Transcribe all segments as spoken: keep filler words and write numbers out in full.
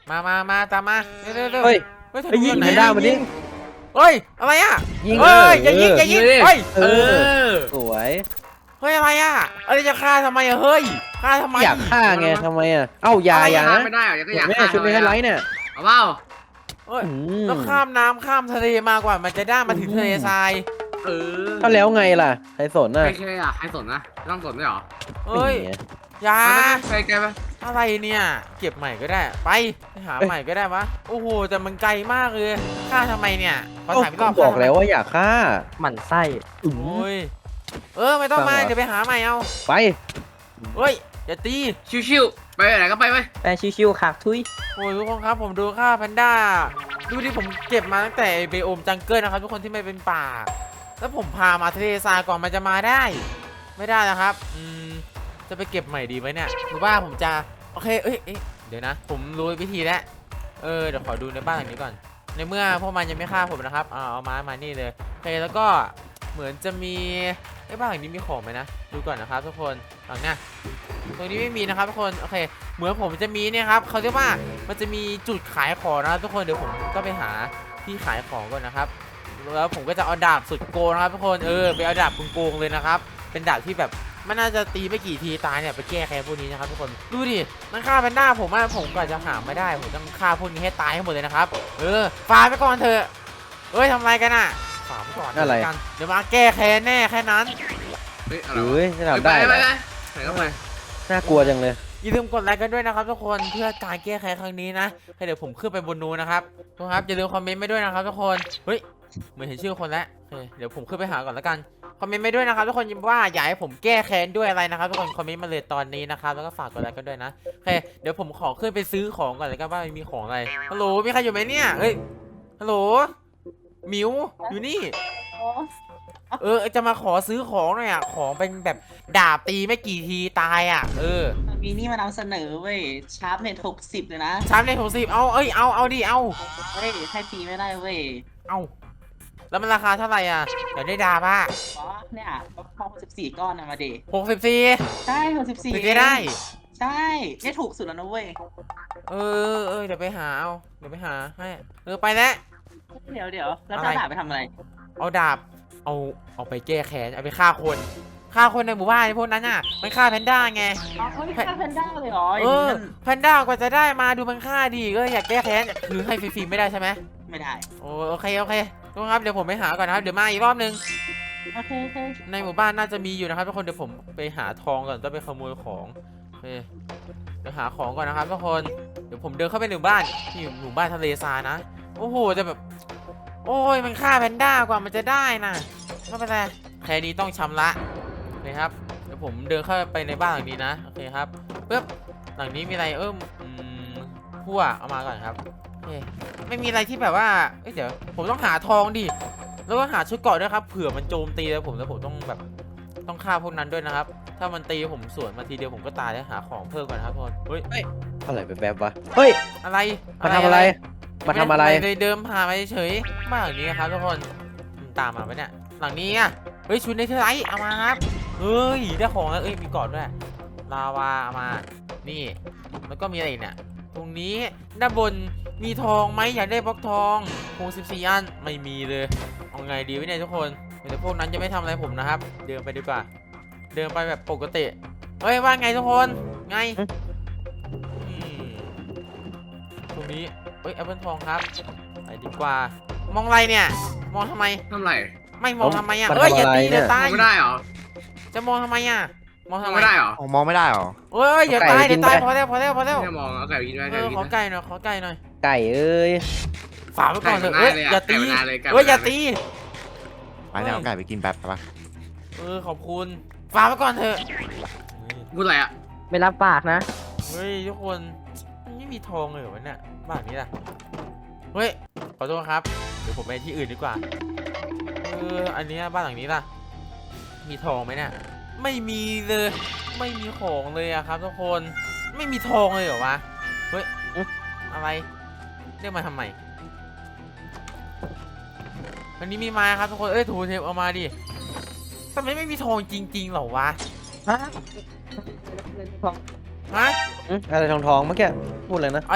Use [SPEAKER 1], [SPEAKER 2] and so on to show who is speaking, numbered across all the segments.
[SPEAKER 1] มามามาตามมาเร็วเร็วเร็ว
[SPEAKER 2] เฮ้ย
[SPEAKER 1] เฮ้ย
[SPEAKER 2] ไปยิง
[SPEAKER 1] ไหน
[SPEAKER 2] แพนด้ามาดิ
[SPEAKER 1] เฮ้ยอะไรอ่ะ
[SPEAKER 2] ยิง
[SPEAKER 1] เฮ้ย
[SPEAKER 2] เออ
[SPEAKER 1] อย่ายิงอย่ายิง
[SPEAKER 3] ยิงดิ
[SPEAKER 1] เฮ้ย
[SPEAKER 2] เอ
[SPEAKER 3] เอ
[SPEAKER 2] อ
[SPEAKER 3] อ
[SPEAKER 2] สวย
[SPEAKER 1] เฮ้ยอะไรอ่ะอะไรจะฆ่าทำไมอะเฮ้ยฆ่าทำไม
[SPEAKER 2] อยากฆ่าไงทำไมอ่ะเอ้าอย่าอย่านะ
[SPEAKER 3] ไม่ได้เหรอยังก็อยาก
[SPEAKER 2] แม่
[SPEAKER 3] ฆ่า
[SPEAKER 2] ชุดไม่ให้ไลท์เนี่ย
[SPEAKER 3] เอาเปล่า
[SPEAKER 1] เฮ้ย
[SPEAKER 2] อืม
[SPEAKER 1] แล้วข้ามน้ำข้ามทะเลมากกว่ามันจะได้มาถึงทะเลทราย
[SPEAKER 3] เออ
[SPEAKER 2] ก็แล้วไงล่ะใครสนน่ะ
[SPEAKER 3] ใครใครอ่ะใครสนนะไม่ต้องสนด้วยเหรอ
[SPEAKER 1] เฮ้ย
[SPEAKER 2] นี่ไง
[SPEAKER 1] อย่า
[SPEAKER 3] ใครแกไป
[SPEAKER 1] อะไรเนี่ยเก็บใหม่ก็ได้ไปไปหา
[SPEAKER 2] เอ้ย
[SPEAKER 1] ใหม่ก็ได้วะโอ้โหแต่มันไกลมากเลยฆ่าทำไมเนี่ยขอถามอีกร
[SPEAKER 2] ก็
[SPEAKER 1] อบ
[SPEAKER 2] บอกแล้วว่าอยากฆ่า
[SPEAKER 4] หมั่นไส้
[SPEAKER 2] อืม
[SPEAKER 1] โอ้ยเออไม่ต้องมา
[SPEAKER 2] ฟังเหรอ
[SPEAKER 1] เดี๋ยวไปหาใหม่เอา
[SPEAKER 2] ไป
[SPEAKER 1] เฮ้ยอย่าตี
[SPEAKER 3] ชิวๆไปไหนก็ไปไป
[SPEAKER 4] แปชิวๆขากทุย
[SPEAKER 1] โอ้ยทุกคนครับผมดูค่าแพนด้าดูที่ผมเก็บมาตั้งแต่เบโอมจังเกิลนะครับทุกคนที่ไม่เป็นป่า แล้วผมพามาทะเลทรายก่อนมันจะมาได้ ไม่ได้นะครับอืมจะไปเก็บใหม่ดีไหมเนี่ยหรือว่าผมจะโอเคเอ้ยเอ้ยเดี๋ยวนะ ผมรู้วิธีแล้วเออเดี๋ยวขอดูในบ้านหลังนี้ก่อน ในเมื่อพวกมันยังไม่ฆ่าผมนะครับเอาเอามามานี่เลยโอเคแล้วก็เหมือนจะมีไอ้บ้านหลังนี้มีของไหมนะดูก่อนนะครับทุกคนหลังเนี้ยตรงนี้ไม่มีนะครับทุกคนโอเคเหมือนผมจะมีเนี่ยครับเขาเรียกว่ามันจะมีจุดขายของนะครับทุกคนเดี๋ยวผมก็ไปหาที่ขายของก่อนนะครับแล้วผมก็จะเอาดาบสุดโกงนะครับทุกคนเออไปเอาดาบโกงๆเลยนะครับเป็นดาบที่แบบมันน่าจะตีไม่กี่ทีตายเนี่ยไปแก้แค้นพวกนี้นะครับทุกคนดูดิมันฆ่าแพนด้าผมอะผมก็จะหาไม่ได้ผมต้องฆ่าพวกนี้ให้ตายให้หมดเลยนะครับเออฟาไปก่อนเถอะเอ้ยทำอะไรกันอะฝาไปก่อน
[SPEAKER 2] อะไร
[SPEAKER 1] กันเดี๋ยวมาแก้แค้นแน่แค่นั้น
[SPEAKER 3] เฮ้ยอะไร
[SPEAKER 2] เฮ้ยจะ
[SPEAKER 3] วะ
[SPEAKER 2] ทำได้
[SPEAKER 3] ไป
[SPEAKER 2] เหร
[SPEAKER 3] ไป
[SPEAKER 2] อ
[SPEAKER 3] ไปไหนก็ไป
[SPEAKER 2] น่ากลัวจังเลย
[SPEAKER 1] อย่าลืมกดไลค์กันด้วยนะครับทุกคนเพื่อการแก้แค้นครั้งนี้นะให้เดี๋ยวผมขึ้นไปบนนู้นนะครับทุกคนครับอย่าลืมคอมเมนต์ไม่ด้วยนะครับทุกคนเฮ้ยเหมือนเห็นชื่อคนแล้วโอเคเดี๋ยวผมขึ้นไปหาก่อนแล้วกันคอมเมนต์ไม่ด้วยนะครับทุกคนว่าอยากให้ผมแก้แค้นด้วยอะไรนะครับทุกคนคอมเมนต์มาเลยตอนนี้นะครับแล้วก็ฝากกดไลค์กันด้วยนะโอเคเดี๋ยวผมขอขึ้นไปซื้อของก่อนเลยกันว่ามีของอะไรฮัลโหลมีใครอยู่ไหมเนี่ยเฮ้ยฮัลโหลหมิวอยู่นี่เออจะมาขอซื้อของหน่อยอ่ะของเป็นแบบดาบตีไม่กี่ทีตายอ่ะเออ
[SPEAKER 5] มีนี่มานำเสนอเว้ยชาร์ปเน็ตหกสิบเลยนะ
[SPEAKER 1] ชาร์ปในหกสิบเอาเอ้ยเอาเอาดิเอา
[SPEAKER 5] เฮ้ยให้ฟรีไม่ได้เว้ย
[SPEAKER 1] เอาแล้วมันราคาเท่าไหร่อ่ะเดี๋ยวได้ดาบ้า
[SPEAKER 5] อ๋อเนี่ยพอหกสิบสี่ก้อนนะมาดิ
[SPEAKER 1] หกสิบสี่
[SPEAKER 5] ใช่หกสิบสี่
[SPEAKER 1] ถึงจะได้
[SPEAKER 5] ใช่ได้ถูกสุดแล้วนะเว้ย
[SPEAKER 1] เออเออเดี๋ยวไปหาเอาเดี๋ยวไปหาให้เออไปแล้ว
[SPEAKER 5] เดี๋ยวเดี๋ยวแล้ว
[SPEAKER 1] อะไร
[SPEAKER 5] จะด่าไปทำอะไร
[SPEAKER 1] เอาดาบเอาเอาไปแก้แค้นเอาไปฆ่าคนฆ่าคนในหมู่บ้านพวกนั้นน่ะมันฆ่าแพนด้าไง
[SPEAKER 5] อ๋อเขาไม่ฆ่าแพนด้าเลยเหรออ
[SPEAKER 1] เอย่าง อ
[SPEAKER 5] นี้มัน
[SPEAKER 1] แพนด้ากว่าจะได้มาดูมันฆ่าดีก็อยากแก้แค้นคือให้ฟรีๆไม่ได้ใช่ไหม
[SPEAKER 5] ไม่ได้
[SPEAKER 1] โอ้โอเคโอเคทุกคนครับเดี๋ยวผมไปหาก่อนนะครับเดี๋ยวมาอีกรอบนึง
[SPEAKER 5] โอเคโอเค
[SPEAKER 1] ในหมู่บ้านน่าจะมีอยู่นะครับทุกคนเดี๋ยวผมไปหาทองก่อนต้องไปขโมยของโอเคเดี๋ยวหาของก่อนนะครับทุกคนเดี๋ยวผมเดินเข้าไปในหมู่บ้านที่อยู่หมู่บ้านทะเลทรายนะโอ้โหจะแบบโอ้ยมันฆ่าแพนด้ากว่ามันจะได้นะไม่เป็นไรแค่นี้ต้องชำระโอเคครับเดี๋ยวผมเดินเข้าไปในบ้านหลังนี้นะโอเคครับปึ๊บหลังนี้มีอะไรเอิ่มอืมพั่วเอามาก่อนครับโอเคไม่มีอะไรที่แบบว่าเอ้ยเดี๋ยวผมต้องหาทองดิแล้วก็หาชุดเกราะด้วยครับเผื่อมันโจมตีแล้วผมแล้วผมต้องแบบต้องฆ่าพวกนั้นด้วยนะครับถ้ามันตีผมสวนมาทีเดียวผมก็ตายแล้วหาของเพิ่มก่อนนะครับทุกคนเฮ้ย
[SPEAKER 2] อะไรไปแบบวะเฮ้ย
[SPEAKER 1] อะไร
[SPEAKER 2] มาทำอะไร มาทำอะไร
[SPEAKER 1] ม่ด้เลยเดิมผ่านมาเฉยๆบ้านหลังนี้ครับทุกคนมันตามมาไหมเนี่ยหลังนี้อ่ะเฮ้ยชุดในเทอร์ไลท์เอามาครับเฮ้ยได้ของแล้วเอ้ยมีกอดด้วยลาวาเอามานี่แล้วก็มีอะไรอีกเนี่ยตรงนี้ด้านบนมีทองไหมอยากได้บล็อกทองหกสิบสี่อันไม่มีเลยเอาไงดีวะเนี่ยทุกคนเดี๋ยวพวกนั้นจะไม่ทำอะไรผมนะครับเดินไปดีกว่าเดินไปแบบปกติเฮ้ยว่าไงทุกคนไงอืมตรงนี้เฮ้ยแอปเปิลทองครับไปดีกว่ามองอะไรเนี่ยมองทำไม
[SPEAKER 3] ทำไร
[SPEAKER 1] ไม่มองทำไมอ่ะ
[SPEAKER 2] มัน
[SPEAKER 1] เอ้ยอย่า
[SPEAKER 2] ทำอะไร
[SPEAKER 1] ตีเดี๋ยว
[SPEAKER 2] เนี่ย
[SPEAKER 1] ตาย
[SPEAKER 3] ไม่ได้เหรอ
[SPEAKER 1] จะมองทำไมอ่ะมองทำ
[SPEAKER 3] ทำ
[SPEAKER 1] ไม
[SPEAKER 3] ไม่ได้เหรอ
[SPEAKER 6] อ๋อมองไม่ได้เหรอ
[SPEAKER 1] เอ้ยเดี๋ยว
[SPEAKER 2] เอาไก่
[SPEAKER 1] ตาย
[SPEAKER 2] ไปกิ
[SPEAKER 1] เดี๋ย
[SPEAKER 2] น
[SPEAKER 1] วตาย
[SPEAKER 2] ไป
[SPEAKER 1] พอแล้วพอแล้วพอแล้ว
[SPEAKER 3] ไม่มองเอาไก่ไปกินได้
[SPEAKER 1] เอ
[SPEAKER 3] ไก่
[SPEAKER 1] อ
[SPEAKER 3] ไปกิ
[SPEAKER 1] ขอน ไก่หน่อยขอไก่หน่อย
[SPEAKER 2] ไก่เอ้ย
[SPEAKER 1] ฝากไว้ก่อนเถอะ
[SPEAKER 3] ไก่
[SPEAKER 1] เอ้ย
[SPEAKER 3] มัน
[SPEAKER 1] อย่าตี
[SPEAKER 3] ไก่มันเลยไก่มัน
[SPEAKER 1] เอ้ยอย่าตี
[SPEAKER 6] ไปเนี่ยเอาไก่ไปกินแบบปะ
[SPEAKER 1] เออขอบคุณฝากไว้ก่อนเถอะ
[SPEAKER 3] พูดอะไรอ่ะ
[SPEAKER 4] ไม่รับปากนะ
[SPEAKER 1] เฮ้ยทุกคนมันไม่มีทองเลยเหรอวะเนี่ยบ้านนี้ล่ะเฮ้ยขอโทษครับเดี๋ยวผมไปที่อื่นดีกว่าเอออันเนี้ยบ้านหลังนี้ล่ะมีทองไหมเนี่ยไม่มีเลยไม่มีของเลยอะครับทุกคนไม่มีทองเลยเหรอวะเฮ้ยอะไรเรียกมาทำไมอันนี้มีไม้ครับทุกคนเอ้ยถูเทปเอามาดิทำไมไม่มีทองจริงๆเหรอวะ
[SPEAKER 4] ฮะ
[SPEAKER 1] ฮะ
[SPEAKER 2] อืมอะไรทองทองๆเมื่อกี้พูดเลยนะ
[SPEAKER 1] อะไร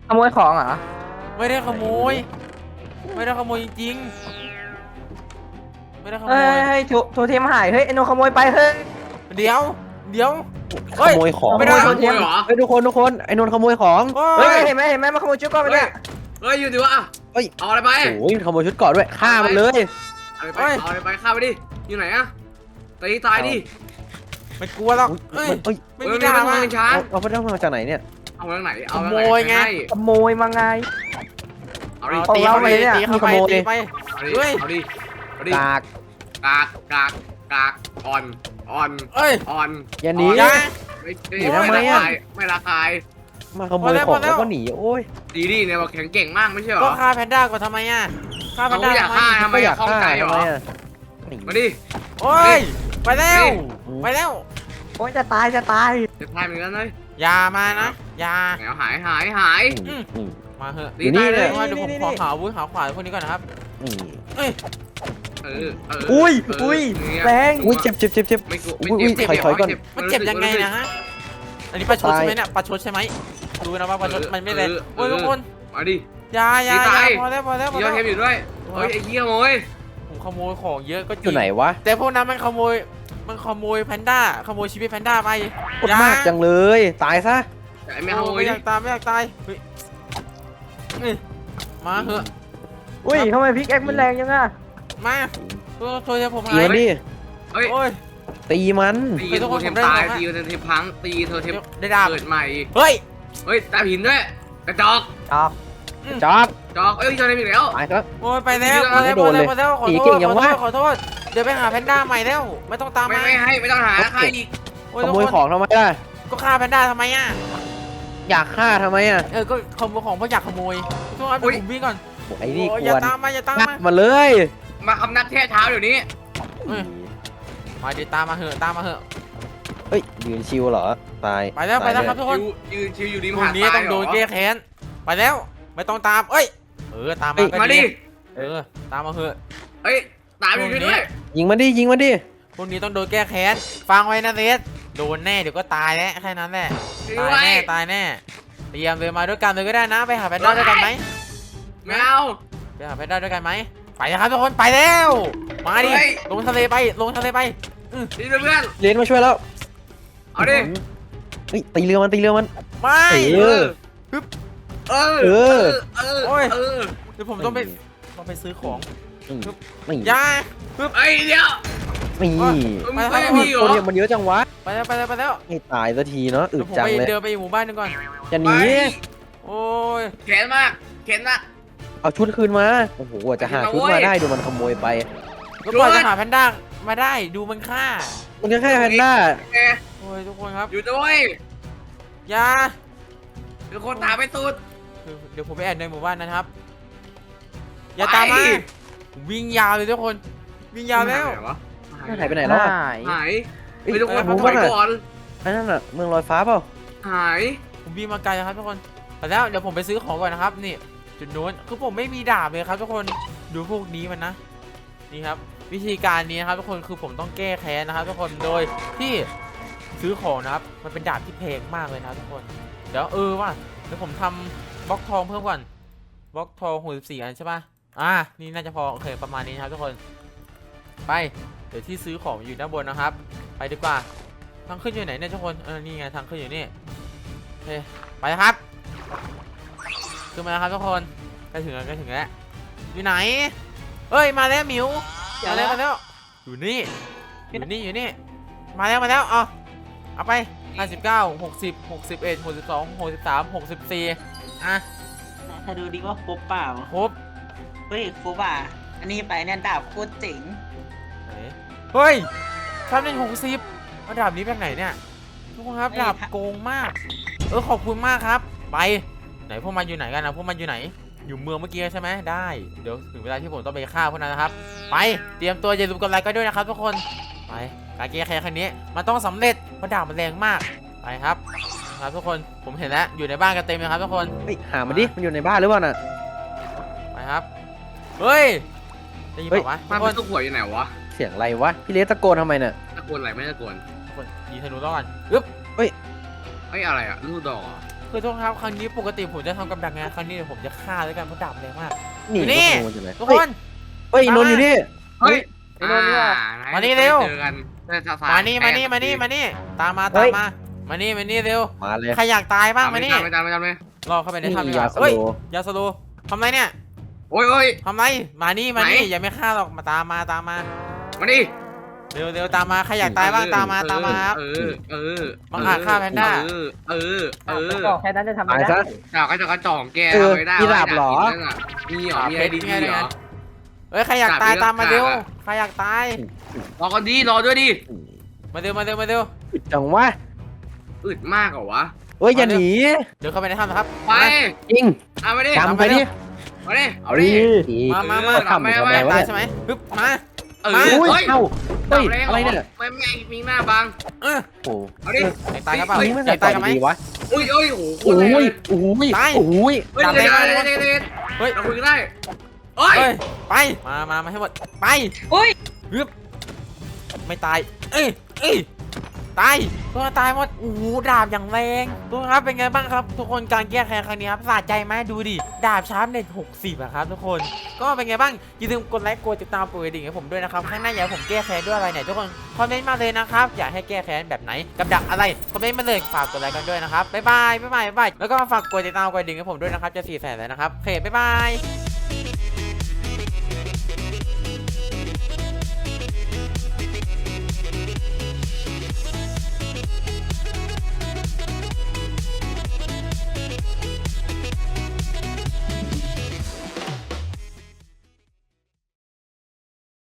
[SPEAKER 4] ขโมยของเหรอ
[SPEAKER 1] ไม่ได้ขโมย ไม่ได้ขโมยจริงๆไม่ได้ขโม
[SPEAKER 4] เฮ้ย
[SPEAKER 1] ย
[SPEAKER 4] เฮ้ยโทโทเทมหายเฮ้ยไอโนขโมยไปเฮ้ย
[SPEAKER 1] เดี๋ยว เดี๋ยว
[SPEAKER 2] ขโมยของ
[SPEAKER 1] ไม่ได้
[SPEAKER 3] ขโมยเหรอ
[SPEAKER 2] เฮ้ยทุกคนทุกคนไอ้นนท์ขโมยของ
[SPEAKER 1] โอ้
[SPEAKER 4] เฮ้ย
[SPEAKER 1] ย
[SPEAKER 4] เห็นไหมเห็นไหมมาขโมยชุดก่อนไป
[SPEAKER 3] เฮ้ย
[SPEAKER 4] เนี่ย
[SPEAKER 3] เฮ้ยอยู่ดีวะ
[SPEAKER 2] เฮ้ย
[SPEAKER 3] เอาอะไรไป
[SPEAKER 2] โอ้ยขโมยชุดเกราะด้วยฆ่ามันเลย
[SPEAKER 3] เอาอะไรไปเอาอะไรไปฆ่าไปดิอยู่ไหนอะตีตายดิ
[SPEAKER 1] ไม่กลัวหรอก
[SPEAKER 2] อุ๊
[SPEAKER 1] เอ้
[SPEAKER 2] ย
[SPEAKER 1] ย
[SPEAKER 2] เฮ้ย
[SPEAKER 1] ไม่
[SPEAKER 3] เฮ้
[SPEAKER 1] มี
[SPEAKER 3] ย
[SPEAKER 1] ดาบ
[SPEAKER 3] มัน
[SPEAKER 1] อ่ะ
[SPEAKER 3] เป็นช้าง
[SPEAKER 2] เอาเอาไปได้มาจากไหนเนี่ย
[SPEAKER 3] เอาทางไหนเอา
[SPEAKER 1] ข
[SPEAKER 3] ทาง
[SPEAKER 1] โม
[SPEAKER 3] ไหน
[SPEAKER 1] ยไง
[SPEAKER 3] ให้
[SPEAKER 4] ขโมยมาไง
[SPEAKER 3] เอาดิ
[SPEAKER 1] เอา
[SPEAKER 4] ของ
[SPEAKER 1] ตี
[SPEAKER 4] เรา
[SPEAKER 1] เข้าไป
[SPEAKER 4] เลยเนี่ย
[SPEAKER 1] ตีเข้าไป
[SPEAKER 2] ขโมย
[SPEAKER 1] ตีไป
[SPEAKER 3] เอาดิ
[SPEAKER 1] เฮ้ย
[SPEAKER 3] เอาดิเอาดิ
[SPEAKER 2] กาก
[SPEAKER 3] กากกากกากอ่อนอ่อน
[SPEAKER 1] เอ้ย
[SPEAKER 3] อ่อน
[SPEAKER 2] อย่าหนี
[SPEAKER 1] อย่า
[SPEAKER 3] ไม่
[SPEAKER 2] หนีทำไมอะ
[SPEAKER 3] ไม่ละคาย
[SPEAKER 2] มาขโมย
[SPEAKER 1] พอแล้ว
[SPEAKER 2] ขอ
[SPEAKER 1] พอง แล้ว
[SPEAKER 2] แล้วก็หนีโอ้ย
[SPEAKER 3] ดีดิเนี่ยบอกแข็งเก่งมากไม่ใช่เหร
[SPEAKER 1] ก็
[SPEAKER 3] อ
[SPEAKER 1] ฆ่าแพนด้าก่อนทำไมอ่ะฆ่าแพนด้า
[SPEAKER 3] เขาอยาก
[SPEAKER 1] ทำไม
[SPEAKER 3] ฆ่า ทำไม
[SPEAKER 2] ก็อยาก
[SPEAKER 3] ข้อง
[SPEAKER 2] ฆ่า
[SPEAKER 3] ใจเหรอ
[SPEAKER 2] ทำไมอะหนี
[SPEAKER 3] มาดิ
[SPEAKER 1] โอ้ย ไปแล้ว
[SPEAKER 2] อืม
[SPEAKER 1] ไปแล้ว
[SPEAKER 4] โอ้ยจะตายจะตาย
[SPEAKER 3] จะตายเหมือนกันเลย
[SPEAKER 1] อย่ามานะ อย่า
[SPEAKER 3] แหมวหายหายหาย
[SPEAKER 2] อืมอืม
[SPEAKER 1] มาเหอะ
[SPEAKER 3] ดีตายเลย
[SPEAKER 1] ว่าเดี๋ยวผมขอหาอาวุธหาขวานพวกนี้ก่อนนะครับ
[SPEAKER 2] อืม
[SPEAKER 1] เอ้ย
[SPEAKER 3] เออเออ
[SPEAKER 4] อุ้ย
[SPEAKER 3] เ
[SPEAKER 4] อุ้ย
[SPEAKER 3] เนี่ย
[SPEAKER 4] แรง
[SPEAKER 2] อุ้ยเจ็บเจ็บเจ็บเจ็บ
[SPEAKER 3] ไม่กลัว
[SPEAKER 2] อุ้
[SPEAKER 3] ไม่
[SPEAKER 2] ยอุ้ย
[SPEAKER 3] เจ็บ
[SPEAKER 2] ถอยถอยก่อน
[SPEAKER 1] มันเจ็บยังไงนะฮะ อันนี้ประชดใช่ไหมเนี่ยประชดใช่ไหมดูนะว่าประชดมันไม่แรงโอ้ยทุกคน
[SPEAKER 3] มาดิ
[SPEAKER 1] อย่าอย่า
[SPEAKER 3] ดี
[SPEAKER 1] อย่า
[SPEAKER 3] ตาย
[SPEAKER 1] พอแล้วพอแล้วพอ
[SPEAKER 3] มีย
[SPEAKER 1] แล้
[SPEAKER 3] อด
[SPEAKER 1] ว
[SPEAKER 3] เทปอยู่ด้วยเฮ้ยไอ้เหี้ยโมย
[SPEAKER 1] ผมขโมยของเยอะก็จ
[SPEAKER 2] อ
[SPEAKER 1] ริ
[SPEAKER 2] ยู่
[SPEAKER 1] ง
[SPEAKER 2] ไหนวะ
[SPEAKER 1] แต่พวกนั้นมันขโมย มันขโมยแพนด้า ขโมยชีวิตแพนด้าไป
[SPEAKER 2] โคตรมากจังเลยตายซะ
[SPEAKER 3] ไอ้แมวโม
[SPEAKER 1] ไม่
[SPEAKER 3] ย
[SPEAKER 1] อยากตายไม่อยากตายเฮ้ยนี่มาเหอะ
[SPEAKER 4] อุ้ยทำไมพิกแอคมันแรงยังอ่ะ
[SPEAKER 1] มาตัวตัวจะผม
[SPEAKER 2] ตี
[SPEAKER 1] หาย
[SPEAKER 2] มันดิ
[SPEAKER 3] เฮ้ย
[SPEAKER 1] โอ้ย
[SPEAKER 2] ตีมัน
[SPEAKER 3] ตี
[SPEAKER 1] เฮ้ยทุก
[SPEAKER 3] โท
[SPEAKER 1] คน
[SPEAKER 3] เทม
[SPEAKER 1] ผมได้
[SPEAKER 3] ตาย
[SPEAKER 1] ของฮะ
[SPEAKER 3] ตีโทเทมพังตีโทเทม
[SPEAKER 1] ได้ดาบ
[SPEAKER 3] เกิดใหม่
[SPEAKER 1] เฮ้ย
[SPEAKER 3] เฮ้ยตาหินด้วยกระจอก
[SPEAKER 4] จอก
[SPEAKER 2] จอบ
[SPEAKER 3] จอกเอ้ยโทเทมอีกแล้ว
[SPEAKER 2] ตายซะ
[SPEAKER 1] โอ้ยไปแล้ว
[SPEAKER 3] ไม่
[SPEAKER 1] ไปแล้ว
[SPEAKER 2] โดนเลย
[SPEAKER 1] ไปแล้วขอ
[SPEAKER 2] หนี
[SPEAKER 1] โท
[SPEAKER 2] เก่
[SPEAKER 1] ษ
[SPEAKER 2] งยัง
[SPEAKER 1] ขอโท
[SPEAKER 2] วะ
[SPEAKER 1] ษขอโทษ เดี๋ยวไปหาแพนด้าใหม่แล้ว ไม่ต้องตาม
[SPEAKER 3] ไม่
[SPEAKER 1] มา
[SPEAKER 3] ไม่ให้ไม่ต้องหาใครอีก
[SPEAKER 1] โอ้ย
[SPEAKER 2] ข
[SPEAKER 1] ทุก
[SPEAKER 2] โมย
[SPEAKER 1] คน
[SPEAKER 2] ของทำไมล่ะ
[SPEAKER 1] ก็ฆ่าแพนด้าทำไมอ่ะ
[SPEAKER 2] อยากฆ่าทำไมอ่ะ
[SPEAKER 1] เออ ก็ขโมยของเพราะอยากขโมยทุกคนเดี๋ยวผมวิ่งก่อน
[SPEAKER 2] โอ้ไอ้นี่
[SPEAKER 1] โอ้ย
[SPEAKER 2] ก
[SPEAKER 1] อย่า
[SPEAKER 2] วน
[SPEAKER 1] ตามมาอย่าตาม
[SPEAKER 2] งัด
[SPEAKER 1] มา
[SPEAKER 2] มาเลย
[SPEAKER 3] มาคำนักแท้เท้าเดี๋ยวนี้
[SPEAKER 1] เอ้ย มาเดี๋ยวตามมาเหอะตามมาเหอะ
[SPEAKER 2] เฮ้ยยืนชิวเหรอตาย
[SPEAKER 1] ไปแล้วไปแล้ว
[SPEAKER 2] ตาย
[SPEAKER 1] ครับทุกคน
[SPEAKER 3] ยืนชิวอยู่ริม
[SPEAKER 1] พรุ่
[SPEAKER 3] หาง ด
[SPEAKER 1] นี้
[SPEAKER 3] ทราย
[SPEAKER 1] ต้องโดน
[SPEAKER 3] เหร
[SPEAKER 1] แก้แค้น ไปแล้ว ไม่ต้องตาม เอ้ย เออ ตามมาก็
[SPEAKER 3] มาดิ
[SPEAKER 1] เออ ตามมาเหอะ
[SPEAKER 3] เฮ้ยตามอยู่ด้วย
[SPEAKER 2] ยิงมันดิยิงมันดิ
[SPEAKER 1] พรุ่งนี้ต้องโดนแก้แค้น ฟังไว้นะเรสโดนแน่เดี๋ยวก็ตายแล้วแค่นั้นแหละ
[SPEAKER 3] ด้
[SPEAKER 1] ตา
[SPEAKER 3] วย
[SPEAKER 1] แน่ตายแน่ เตรียมเลยมาด้วยกันเลยก็ได้นะ ไปหาแพนด้าด้วยกันไหม
[SPEAKER 3] ไม่เอา
[SPEAKER 1] ไปหาแพนด้าด้วยกันไหม ไปนะครับทุกคน ไปแล้ว มาดิ ลงทะเลไป ลงทะเลไป
[SPEAKER 3] ดีเพื่อน
[SPEAKER 2] เรนมาช่วยแล้ว
[SPEAKER 3] เอาดิ
[SPEAKER 2] เฮ้ยตีเรือมันตีเรือมัน
[SPEAKER 1] ไม่
[SPEAKER 2] เออ
[SPEAKER 3] เออ
[SPEAKER 2] เออ
[SPEAKER 3] เออ
[SPEAKER 1] โอ้ย
[SPEAKER 3] เออ
[SPEAKER 1] เดี๋ยวผมต้องไป ต้องไปซื้อของ
[SPEAKER 2] อืมไม่
[SPEAKER 1] อยา
[SPEAKER 3] ไอ้เดี๋ยว
[SPEAKER 2] ไม่
[SPEAKER 1] ว่า
[SPEAKER 3] มึง
[SPEAKER 1] ไป
[SPEAKER 3] ไม่
[SPEAKER 1] แล้ว
[SPEAKER 3] มีเหร
[SPEAKER 2] ตัว
[SPEAKER 3] อ
[SPEAKER 2] เนี้มันเยอะจังวะ
[SPEAKER 1] ไปแล้วไปแล้วไปแล้ว
[SPEAKER 2] ไม่ตายสักทีเนาะอึ
[SPEAKER 1] เดี๋ยว
[SPEAKER 2] ด
[SPEAKER 1] ผม
[SPEAKER 2] จัง
[SPEAKER 1] ไป
[SPEAKER 2] เลย
[SPEAKER 1] เดินไปอีกหมู่บ้านหนึงก่อน
[SPEAKER 2] จะหนี
[SPEAKER 1] โอ้ย
[SPEAKER 3] แขนมากแขนมาก
[SPEAKER 2] เอาชุดคืนมาโอ้โหกว่าจะหาชุดมาได้ดูมันขโมยไป
[SPEAKER 1] ก็ปล่อยจะหาแพนด้ามาได้ดูมันฆ่า
[SPEAKER 2] มันก็แค่แพนด้า
[SPEAKER 3] แก
[SPEAKER 1] โอ้ยทุกคนครับ
[SPEAKER 3] อยู่ด้วย
[SPEAKER 1] อยา
[SPEAKER 3] เป็นคนตามไปตูด
[SPEAKER 1] เดี๋ยวผมไปแอบในหมู่บ้านนะครับ อย่าตามมาวิ่งยาวเลยทุกคน วิ่งยาวแล้ว
[SPEAKER 2] หายไปไหนแล้วอะ
[SPEAKER 4] หาย
[SPEAKER 3] หาย
[SPEAKER 2] เอ้ย
[SPEAKER 3] ไม่ทุกคน
[SPEAKER 2] หมู่
[SPEAKER 3] ถ
[SPEAKER 2] บ้า
[SPEAKER 3] อน ย
[SPEAKER 2] อะ
[SPEAKER 3] ก่อน
[SPEAKER 2] ไอ้นั่นน่ะเมืองลอยฟ้าเปล่า
[SPEAKER 3] หาย
[SPEAKER 1] ผมวิ่งมาไกลแล้วครับทุกคนแต่แล้วเดี๋ยวผมไปซื้อของก่อนนะครับนี่จุดนู้นคือผมไม่มีดาบเลยครับทุกคนดูพวกนี้มันนะนี่ครับวิธีการนี้นะครับทุกคนคือผมต้องแก้แค้นนะครับทุกคนโดยที่ซื้อของนะครับมันเป็นดาบที่แพงมากเลยนะครับทุกคนเดี๋ยวเออว่าเดี๋ยวผมทำบล็อกทองเพิ่มก่อนบล็อกทองหกสิบสี่อันใช่ปะอ่านี่น่าจะพอโอเคประมาณนี้นะครับทุกคนไปเดี๋ยวที่ซื้อของอยู่ด้านบนนะครับ ไปดีกว่าทางขึ้นอยู่ไหนเนี่ยทุกคนเออนี่ไงทางขึ้นอยู่นี่โอเคไปนะครับขึ้นมาแล้วครับทุกคนใกล้ถึงแล้วใกล้ถึงแล้วอยู่ไหนเอ้ยมาแล้วหมิวมาแล้วมาแล้วอยู่นี่อยู่นี่อยู่นี่มาแล้วมาแล้วเอาเอาไปห้าสิบเก้า หกสิบ หกสิบเอ็ด หกสิบสอง หกสิบสาม หกสิบสี่อ่ะ
[SPEAKER 5] ถ้าดูดิว่าครบเปล่า
[SPEAKER 1] ครบ
[SPEAKER 5] เฮ้ยครบอ่ะ อันนี้ไปเนี่ยดาบโคตรเจ๋ง
[SPEAKER 1] ไหนเฮ้ยทำได้หกสิบมาดาบนี้แบบไหนเนี่ยทุกคนครับดาบโกงมากเออขอบคุณมากครับไปไหนพวกมันอยู่ไหนกันนะพวกมันอยู่ไหนอยู่เมืองเมื่อกี้ใช่ไหมได้เดี๋ยวถึงเวลาที่ผมต้องไปฆ่าพวกนั้นนะครับไปเตรียมตัวอย่าลืมกดไลค์กันด้วยนะครับทุกคนไปการแก้แค้นครั้งนี้มันต้องสำเร็จเพราะดาบมันแรงมากไปครับครับทุกคนผมเห็นแล้วอยู่ในบ้านกันเต็มเลยครับทุกคน
[SPEAKER 2] เฮ้ยหามันดิมันอยู่ในบ้านหรือเปล่าน่ะ
[SPEAKER 1] ไปครับเฮ้ยได้ยินเปล่าวะ
[SPEAKER 3] มัน
[SPEAKER 1] ทุกค
[SPEAKER 3] เป็น นตัวหัวอยู่ไหนวะ
[SPEAKER 2] เสียงอะไรวะพี่เลสตะโกนทำไมน่ะ
[SPEAKER 3] ตะโกนอะไรไม่ตะโกน
[SPEAKER 1] ทุกคนยิงธนูต้องกันอึ๊บ
[SPEAKER 3] ไอ้อะไรอะลูกดอกเหรอ
[SPEAKER 1] คคือทุกคนครับครั้งนี้ปกติผมจะทำกับดักไงครั้งนี้เดี๋ยวผมจะฆ่าด้วยกันเพราะดาบแรงมาก
[SPEAKER 2] นี่
[SPEAKER 1] นี่
[SPEAKER 2] ขโมยจังเลย
[SPEAKER 1] ทุก
[SPEAKER 2] เฮ้
[SPEAKER 1] ค
[SPEAKER 2] ย
[SPEAKER 1] น
[SPEAKER 2] เฮ้ยนนท์อยู่นี่
[SPEAKER 3] เฮ้ย
[SPEAKER 4] ไอ้โน่นเนี่ย
[SPEAKER 3] อ่
[SPEAKER 1] มานี่เร็ว
[SPEAKER 3] เจอกันได้สาย
[SPEAKER 1] มานี่มานี่มานี่มานี่ตามมาตามมามานี่มานี่เร็ว
[SPEAKER 2] มาเลย
[SPEAKER 1] ใครอยากตายบ้างมานี่
[SPEAKER 3] ไม่จำไม่จำไม่จำเลย
[SPEAKER 1] รอเข้าไปใน
[SPEAKER 2] นี่
[SPEAKER 1] ถ้ำดีก
[SPEAKER 2] ยา
[SPEAKER 1] ว่า
[SPEAKER 2] ส
[SPEAKER 1] เฮ้ย
[SPEAKER 2] โล
[SPEAKER 1] ยาสโลทำไรเนี่ย
[SPEAKER 3] โอ้ยโอ้ย
[SPEAKER 1] ทำไรมานี่มานี่
[SPEAKER 3] ไหน
[SPEAKER 1] อย่าไม่ฆ่าหรอกมาตามมาตามมา
[SPEAKER 3] มาดิ
[SPEAKER 1] เร็วเร็วตามมาใครอยากตายบ้างตามมาตามมาครับ
[SPEAKER 3] เออเออ
[SPEAKER 1] บังอาจฆ่าแพนด้า
[SPEAKER 3] เออเออเออ
[SPEAKER 4] บอกแค่นั้นจะทำ
[SPEAKER 2] ตา
[SPEAKER 4] ไม่
[SPEAKER 2] ย
[SPEAKER 4] ได้
[SPEAKER 2] ซะ
[SPEAKER 3] ดาวกระจอกกระจ่องแก
[SPEAKER 2] เออ
[SPEAKER 3] เอาไว้ได้
[SPEAKER 2] มีดาบเหรอ
[SPEAKER 3] มีเหรอมีอะไรดีๆเหรอ
[SPEAKER 1] เฮ้ยใครอยากตาย
[SPEAKER 3] ดาบ
[SPEAKER 1] ตามมา
[SPEAKER 3] ดาบ
[SPEAKER 1] เร็ว
[SPEAKER 3] อะ
[SPEAKER 1] ใครอยากตาย
[SPEAKER 3] รอกันดีรอด้วยดิ
[SPEAKER 1] มาเร็วมาเร็วมาเร็ว
[SPEAKER 2] อึดจังวะ
[SPEAKER 3] อึดมากเหรอวะ
[SPEAKER 2] เฮ้ยอย่าหนี
[SPEAKER 1] เดี๋ยวเข้าไปในถ้ำนะครับ
[SPEAKER 3] ไป
[SPEAKER 2] จริง
[SPEAKER 3] เอามาดิ
[SPEAKER 2] จำไปดิ
[SPEAKER 3] มาดิเอาดิ
[SPEAKER 1] มามามา
[SPEAKER 2] ทำไปทำไม
[SPEAKER 1] อยาก
[SPEAKER 2] วะ
[SPEAKER 1] ตาย
[SPEAKER 2] เนี่ย
[SPEAKER 1] ใช่ไหมปึ๊บมา
[SPEAKER 3] เออ
[SPEAKER 1] มา
[SPEAKER 2] อุ้ย
[SPEAKER 3] เฮ้ย
[SPEAKER 2] เอ้าเฮ้ย
[SPEAKER 3] จับแงห
[SPEAKER 2] อะไรเนี่ย
[SPEAKER 3] ไม่ไม่มีหน้าบัง
[SPEAKER 1] เออ
[SPEAKER 2] โอ้โห
[SPEAKER 3] เอาดิ
[SPEAKER 1] อยากตายกันเปล่า
[SPEAKER 3] เฮ้ย
[SPEAKER 2] นี่มัน
[SPEAKER 1] อ
[SPEAKER 2] ใส่
[SPEAKER 1] ยาก
[SPEAKER 2] ต่
[SPEAKER 1] ตา
[SPEAKER 2] อย
[SPEAKER 1] กันไหม
[SPEAKER 2] ดีวะ
[SPEAKER 3] อุ้ยโอ้ยโอ้โหโค
[SPEAKER 2] โอ้
[SPEAKER 3] ตรแรง
[SPEAKER 2] ย
[SPEAKER 3] เลย
[SPEAKER 2] โอ้ย
[SPEAKER 1] ตาย
[SPEAKER 2] โอ้ย
[SPEAKER 3] เฮ้ย
[SPEAKER 1] จับ
[SPEAKER 3] เดี๋ยว
[SPEAKER 1] ได้
[SPEAKER 3] เดี๋ยว
[SPEAKER 1] ไหม
[SPEAKER 3] เดี๋ยวเดี๋ยวเดี๋ยว
[SPEAKER 1] เฮ้ย
[SPEAKER 3] เราคุยกันได้เฮ้ย
[SPEAKER 1] เฮ้ยไปมามามาให้หมดไป
[SPEAKER 5] อุ้ย
[SPEAKER 1] ฮึบไม่ตายเอ้ยเอ้ยตายตัวตายหมดโอ้โหดาบอย่างแรงทุกคนครับเป็นไงบ้างครับ ทุกคนการแก้แค้นครั้งนี้ครับสะใจไหมดูดิดาบชาร์ปเน็ตหกสิบอะครับทุกคนก็เป็นไงบ้างอย่าลืมกดไลค์กดติดตามปุ่มกระดิ่งให้ผมด้วยนะครับข้างหน้าอยากให้ผมแก้แค้นด้วยอะไรเนี่ยทุกคนคอมเมนต์มาเลยนะครับอยากให้แก้แค้นแบบไหนกับดักอะไรคอมเมนต์มาเลยฝากกดไลค์กันด้วยนะครับบ๊ายบายบ๊ายบายบ๊ายบายแล้วก็ฝากกดติดตามกดกระดิ่งให้ผมด้วยนะครับจะสี่แสนแล้วนะครับโอเคบ๊ายบาย